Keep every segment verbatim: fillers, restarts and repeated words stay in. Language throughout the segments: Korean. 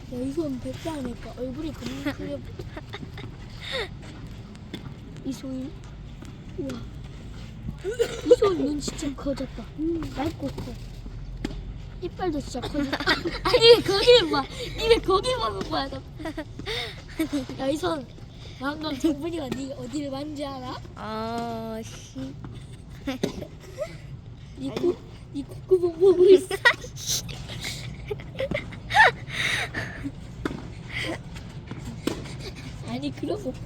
이손 백세 하니까 얼굴이 너무 크게. 이손 우와. 이손 눈 진짜 커졌다. 음, 맑고 커. 이빨도 진짜 커졌다. 아니 왜 거기를 봐. 니 왜 거기 보는 거야? 야 이손 방금 정분이가 니 어디를 만지 알아? 아 씨. 니 코, 니 콧구멍 보고 있어. 아니 그런 거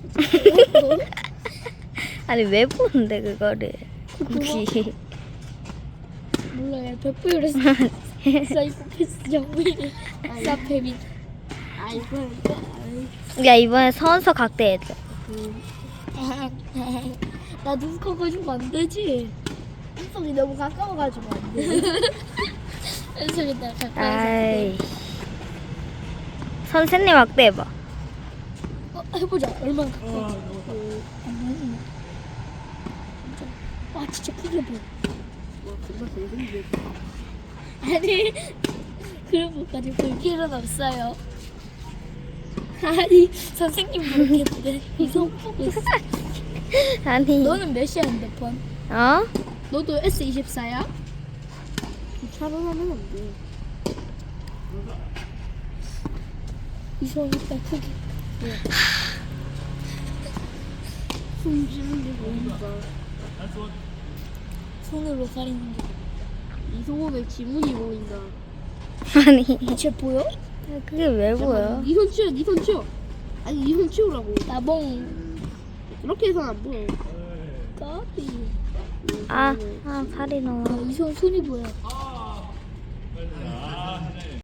아니 왜 보는데 그거를? 굳이. 몰라요. 백불에서 사이코패스 정분이 사페민. 아이고 야 이번에 서원서 각대해줘. 나 눈 커가지고 안 되지. 눈썹이 너무 가까워가지고 안 돼. 현석이 나 가까이. 아이. 선생님 확대해봐. 어, 해보자. 얼마나 가까운지. 안 나오네. 진짜. 와 진짜 크게 보여. 아니 그런 것까지 볼 필요는 없어요. 아니 선생님 모르겠는데 이성 보고 있어. 아니. 너는 몇이야 핸드폰? 어? 너도 에스 이십사야? 차로 하면 안 돼. 이성 이빨 크기. 숨 쉬는 게 보인다. 손으로 가리는 게. 이소범의 지문이 보인다. 아니. 쟤 보여? 그게 왜 보여? 니손 치워, 니손 치워. 아니 니손 치우라고. 나봉 이렇게 해서는 안 보여. 까비. 아, 아 팔이 너무. 야, 이성 손이 보여.